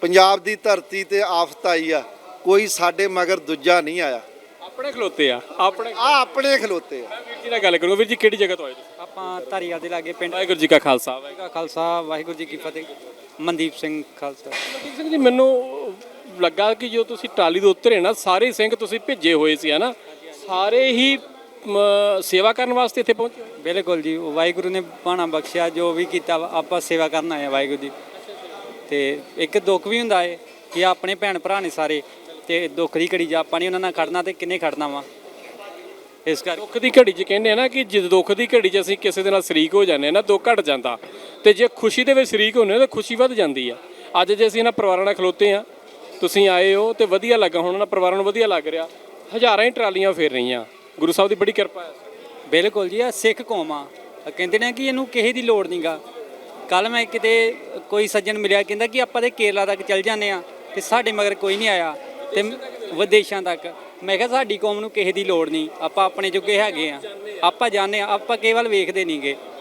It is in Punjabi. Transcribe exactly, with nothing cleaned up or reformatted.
ਪੰਜਾਬ ਦੀ ਧਰਤੀ ਤੇ ਆਫਤ ਆਈ ਆ, ਕੋਈ ਸਾਡੇ ਮਗਰ ਦੂਜਾ ਨਹੀਂ ਆਇਆ। ਆਪਣੇ ਖਲੋਤੇ ਆ ਆਪਣੇ ਆ ਆਪਣੇ ਖਲੋਤੇ ਆ। ਵੀਰ ਜੀ ਨਾਲ ਗੱਲ ਕਰੂੰਗਾ। ਵੀਰ ਜੀ ਕਿਹੜੀ ਜਗ੍ਹਾ ਤੋਂ ਆਏ ਤੁਸੀਂ? ਆਪਾਂ ਧਾਰੀਵਾਲ ਦੇ ਲਾਗੇ ਪਿੰਡ ਵਾਹਿਗੁਰੂ ਜੀ ਕਾ ਖਾਲਸਾ ਵਾਹਿਗੁਰੂ ਦਾ ਖਾਲਸਾ ਵਾਹਿਗੁਰੂ ਜੀ ਕੀ ਫਤਿਹ। ਮਨਦੀਪ ਸਿੰਘ ਖਾਲਸਾ। ਮਨਦੀਪ ਸਿੰਘ ਜੀ, ਮੈਨੂੰ ਲੱਗਾ ਕਿ ਜੋ ਤੁਸੀਂ ਟਰਾਲੀ ਦੇ ਉੱਤਰੇ ਨਾ, ਸਾਰੇ ਸਿੰਘ ਤੁਸੀਂ ਭੇਜੇ ਹੋਏ ਸੀ ਹਨਾ, ਸਾਰੇ ਹੀ ਮ, ਸੇਵਾ ਕਰਨ ਵਾਸਤੇ ਇੱਥੇ ਪਹੁੰਚੇ? ਬਿਲਕੁਲ ਜੀ, ਵਾਹਿਗੁਰੂ ਨੇ ਬਾਣਾ ਬਖਸ਼ਿਆ, ਜੋ ਵੀ ਕੀਤਾ ਵਾ, ਆਪਾਂ ਸੇਵਾ ਕਰਨ ਆਏ ਆ ਵਾਹਿਗੁਰੂ ਦੀ। ਤੇ ਇੱਕ ਦੁੱਖ ਵੀ ਹੁੰਦਾ ਹੈ ਕਿ ਆਪਣੇ ਭੈਣ ਭਰਾ ਨੇ ਸਾਰੇ, ਤੇ ਦੁੱਖ ਦੀ ਘੜੀ 'ਚ ਆਪਾਂ ਨਹੀਂ ਉਹਨਾਂ ਨਾਲ ਖੜਨਾ, ਤੇ ਕਿੰਨੇ ਖੜਨਾ ਵਾ। ਇਸ ਕਰਕੇ ਦੁੱਖ ਦੀ ਘੜੀ 'ਚ ਕਹਿੰਦੇ ਆ ਨਾ ਕਿ ਜਦ ਦੁੱਖ ਦੀ ਘੜੀ 'ਚ ਅਸੀਂ ਕਿਸੇ ਦੇ ਨਾਲ ਸ਼ਰੀਕ ਹੋ ਜਾਂਦੇ ਆ ਨਾ, ਦੁੱਖ ਘਟ ਜਾਂਦਾ, ਤੇ ਜੇ ਖੁਸ਼ੀ ਦੇ ਵਿੱਚ ਸ਼ਰੀਕ ਹੁੰਦੇ ਆ ਤਾਂ ਖੁਸ਼ੀ ਵੱਧ ਜਾਂਦੀ ਆ। ਅੱਜ ਜੇ ਅਸੀਂ ਇਹਨਾਂ ਪਰਿਵਾਰਾਂ ਨਾਲ ਖਲੋਤੇ ਆ, ਤੁਸੀਂ ਆਏ ਹੋ ਤੇ ਵਧੀਆ ਲੱਗਾ, ਹੁਣ ਉਹਨਾਂ ਪਰਿਵਾਰਾਂ ਨੂੰ ਵਧੀਆ ਲੱਗ ਰਿਹਾ। ਹਜ਼ਾਰਾਂ ਹੀ ਟਰਾਲੀਆਂ ਫੇਰ ਰਹੀਆਂ, ਗੁਰੂ ਸਾਹਿਬ ਦੀ ਬੜੀ ਕਿਰਪਾ ਹੈ। ਬਿਲਕੁਲ ਜੀ, ਆ ਸਿੱਖ ਕੌਮ ਆ, ਕਹਿੰਦੇ ਨੇ ਕਿ ਇਹਨੂੰ ਕਿਸੇ ਦੀ ਲੋੜ ਨਹੀਂਗਾ। ਕੱਲ ਮੈਂ ਕਿਤੇ ਕੋਈ ਸੱਜਣ ਮਿਲਿਆ, ਕਹਿੰਦਾ ਕਿ ਆਪਾਂ ਤੇ ਕੇਰਲਾ ਤੱਕ ਚੱਲ ਜਾਂਦੇ ਆ ਤੇ ਸਾਡੇ ਮਗਰ ਕੋਈ ਨਹੀਂ ਆਇਆ, ਤੇ ਵਿਦੇਸ਼ਾਂ ਤੱਕ। ਮੈਂ ਕਿਹਾ ਸਾਡੀ ਕੌਮ ਨੂੰ ਕਿਸੇ ਦੀ ਲੋੜ ਨਹੀਂ, ਆਪਾਂ ਆਪਣੇ ਜੋਗੇ ਹੈਗੇ ਆ, ਆਪਾਂ ਜਾਣਦੇ ਆ, ਆਪਾਂ ਕੇਵਲ ਵੇਖਦੇ ਨਹੀਂਗੇ।